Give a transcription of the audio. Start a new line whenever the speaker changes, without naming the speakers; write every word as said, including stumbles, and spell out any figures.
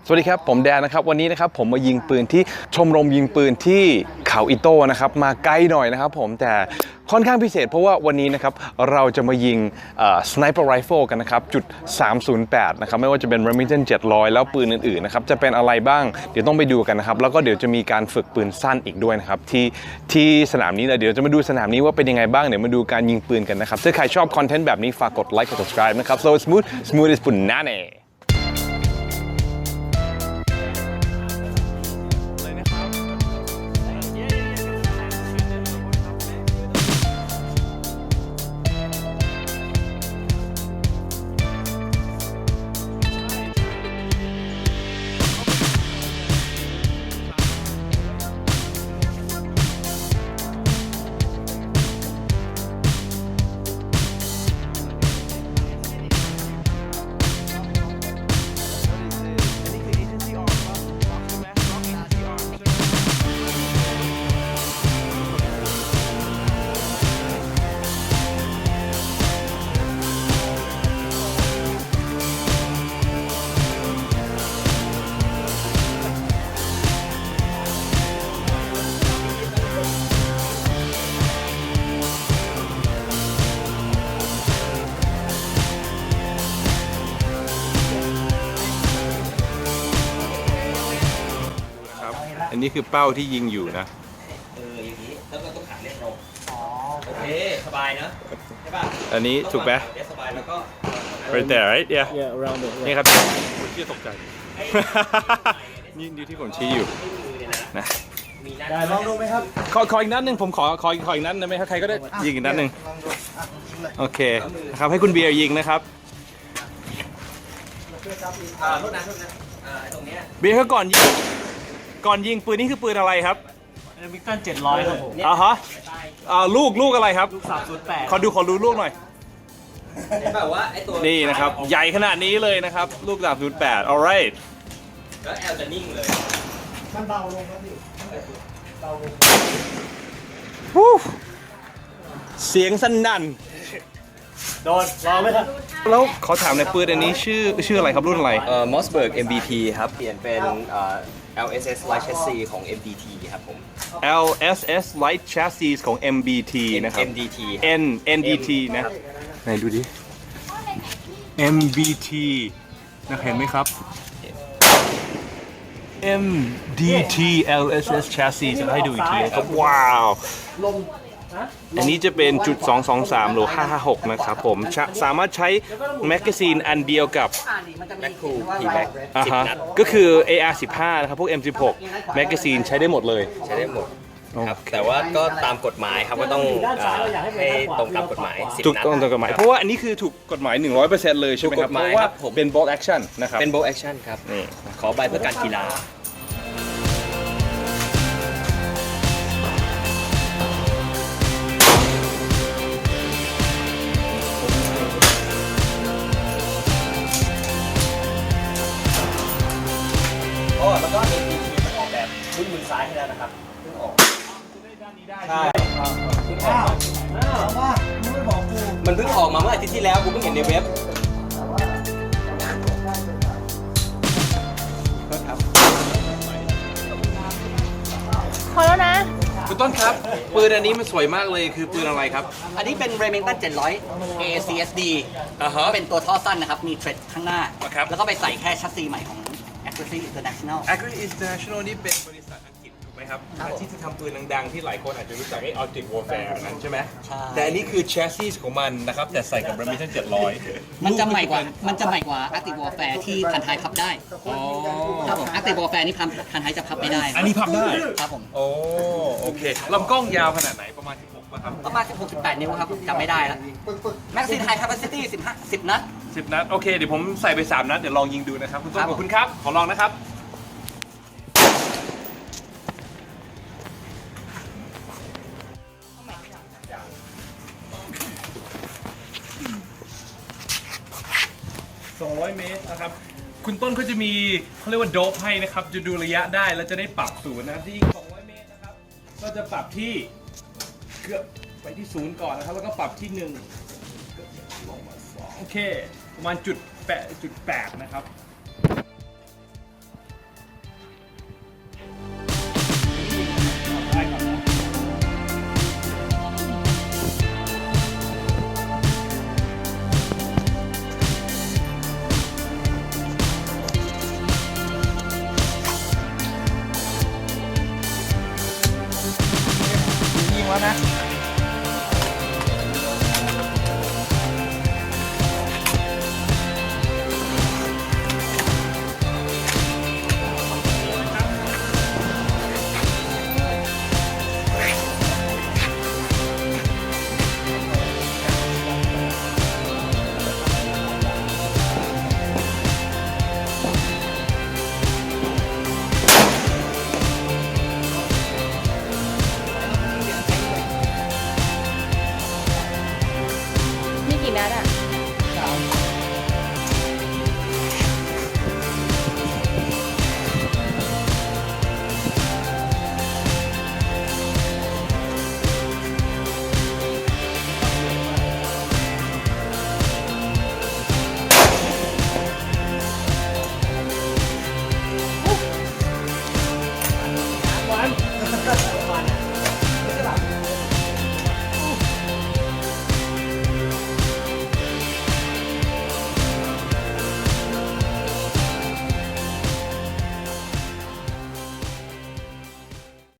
สวัสดีครับผมแดนนะครับวันนี้นะครับผมมายิงปืนที่ชมรมยิงปืนที่เขาอิโต้นะครับมาไกลหน่อยนะครับผมแต่ค่อนข้างพิเศษเพราะว่าวันนี้นะครับเราจะมายิงสไนเปอร์ไรเฟิลกันนะครับจุดสามศูนย์แปดนะครับไม่ว่าจะเป็น Remington เจ็ดร้อยแล้วปืนอื่นๆนะครับจะเป็นอะไรบ้างเดี๋ยวต้องไปดูกันนะครับแล้วก็เดี๋ยวจะมีการฝึกปืนสั้นอีกด้วยนะครับที่ที่สนามนี้นะเดี๋ยวจะมาดูสนามนี้ว่าเป็นยังไงบ้างเดี๋ยวมาดูการยิงปืนกันนะครับถ้าใครชอบคอนเทนต์แบบนี้ฝากกดไลค์กด subscribe นะครับ so smooth smooth is punaneอันนี้คือเป้าที่ยิงอยู่นะ
เอออย่างนี้แล้วก็ต้องขันเล่นลงอ๋อโอเคสบายนะใช่ป่ะ
อันนี้ถูกไหม
สบายแล้วก็
right there right yeah
Yeah, around it.
นี่ครับผมชี้ตกใจนี่นี่ที่ผมชี้อยู่นะ
ได้ลองดูไหมครับ
ขอขออีกนัดหนึ่งผมขอขอขออีกนัดได้ไหมครับใครก็ได้ยิงอีกนัดหนึ่งโอเคนะครับให้คุณเบียร์ยิงนะครับ
อ่าโทษนะโทษนะอ่าตรงเนี้ย
เบียร์เขาก่อนยิงก่อนยิงปืนนี่คือปืนอะไรครับ
มิกตันเจ็ดร้อยครับผม
อ่าฮะอ่าลูกลูกอะไรครับ
ลูกสามศูนย์แปด
ขอดูขอดูลูกหน่อย
แบบว่าไอ้ตัว
นี่นะครับใหญ่ขนาดนี้เลยนะครับลูกสามศูนย์แปด alright
แล้วแอลจะนิ่งเลย
มันเบาลงครับพี่เบาลง
เสียงสนั่น
โดนรอไหมครับ
แล้วขอถามในปืนอันนี้ชื่อชื่ออะไรครับรุ่นอะไร
เอ่อ Mossberg เอ็ม บี ที ครับเปลี่ยนเป็นเอ่อ แอล เอส เอส Light Chassis ของ เอ็ม ดี ที ครับผม
แอล เอส เอส Light Chassis ของ เอ็ม บี ที นะครับ
เอ็ม ดี ที
N เอ็น ดี ที นะไหนดูดิ เอ็ม บี ที นะเห็นไหมครับ เอ็ม ดี ที แอล เอส เอส Chassis จะให้ดูอีกทีนะครับว้าวอันนี้จะเป็นจุดสองสองสามหรือห้าห้าหกนะครับผมสามารถใช้แมกกาซีนอันเดียวกับ
Macro P-Max
อ่าฮะก็คือ เอ อาร์ สิบห้า นะครับพวก เอ็ม สิบหก แมกกาซีนใช้ได้หมดเลย
ใช้ได้หมดครับแต่ว่าก็ตามกฎหมายครับก็ต้องให้ตรงตามกฎหมาย
ถูกต้องตามกฎหมายเพราะว่าอันนี้คือถูกกฎหมาย หนึ่งร้อยเปอร์เซ็นต์ เลยใช่ไหมครับเพราะว่าเป็น bolt action นะครับ
เป็น bolt action ครับนี่ขอใบเพื่อการกีฬาโอ้แล้วก็ เอ็ม ดี ที มันออกแบบพื้นมือซ้ายให้แล้วนะครับเพิ่งออกใช่เพิ่งออกมันเพิ่งออกมาเมื่ออาทิตย์ที่แล้วกูเพิ่งเห็นในเว็บ
พอแล้วนะ
คุณต้นครับปืนอันนี้มันสวยมากเลยคือปืนอะไรครับ
อันนี้เป็น Remington เจ็ดร้อย เอ ซี เอส ดี
อ่าฮะ
เป็นตัวท่อสั้นนะครับมีเทรดข้างหน้า
ครับ
แล้วก็ไปใส่แค่ชัสซีใหม่ของ Accuracy International
Accuracy International นี่เป็นบริษัทอังกฤษถูกไหมครับที่จะทำปืนดังๆที่หลายคนอาจจะรู้จักไอ้ Object Warfare นั้นใช่ไหมใช่แต่อันนี้คือ chassis ของมันนะครับแต่ใส่กับ Remington เจ็ดร้อย
มันจะใหม่กว่ามันจะใหม่กว่า Active Warfare ที่พันท้ายพับได้ครับผม Active Warfare นี่พันพันท้ายจะพับไม่ได้
อันนี้พับได้
ครับผม
โอ้โอเคลำกล้องยาวขนาดไหนประมาณสิบหกป่ะครับ
ประมาณสิบหก สิบแปดนิ้วครับจำไม่ได้แล้ว Magazine High Capacity สิบห้า สิบนัด
สิบนัดโอเคเดี๋ยวผมใส่ไปสามนัดเดี๋ยวลองยิงดูนะครับคุณต้นขอบคุณครับขอลองนะครับสองร้อยเมตรนะครับคุณต้นเขาจะมีเขาเรียกว่าโดปให้นะครับจะดูระยะได้แล้วจะได้ปรับศูนย์นะครับที่ยิงสองร้อยเมตรนะครับก็จะปรับที่เกือบไปที่ศูนย์ก่อนนะครับแล้วก็ปรับที่หนึ่งลงมาสองโอเคประมาณจุดแปดจุดแปดนะครับ
นะ